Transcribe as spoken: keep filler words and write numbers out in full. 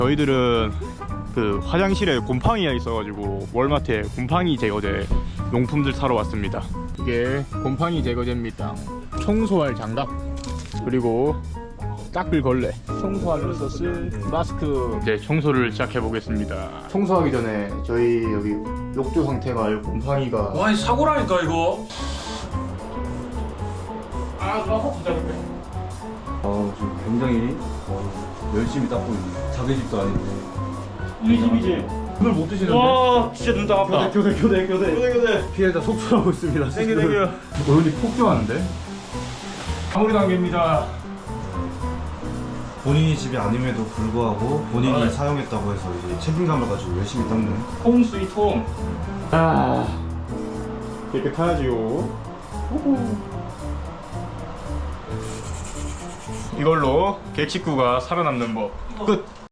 저희들은 그 화장실에 곰팡이가 있어가지고 월마트에 곰팡이 제거제 용품들 사러 왔습니다. 이게 곰팡이 제거제입니다. 청소할 장갑, 그리고 닦을 걸레, 청소할 리소스, 마스크. 이제 청소를 시작해 보겠습니다. 청소하기 전에 저희 여기 욕조 상태가 알고 곰팡이가 와, 이 사고라니까 이거. 아, 너무 부담돼. 아, 지금 굉장히 어, 열심히 닦고 있네. 자기 집도 아닌데. 우리 집이지. 오늘 못 드시는데? 와, 진짜 눈 따갑다. 교대 교대 교대 교대 교대. 피해자 속출하고 있습니다. 땡겨 땡겨. 오른이 폭주하는데? 마무리 단계입니다. 본인이 집이 아님에도 불구하고 본인이 아, 네. 사용했다고 해서 이제 책임감을 가지고 열심히 닦네. 홈 스위트 홈. 아, 깨끗하지요. 이걸로 객식구가 살아남는 법 끝.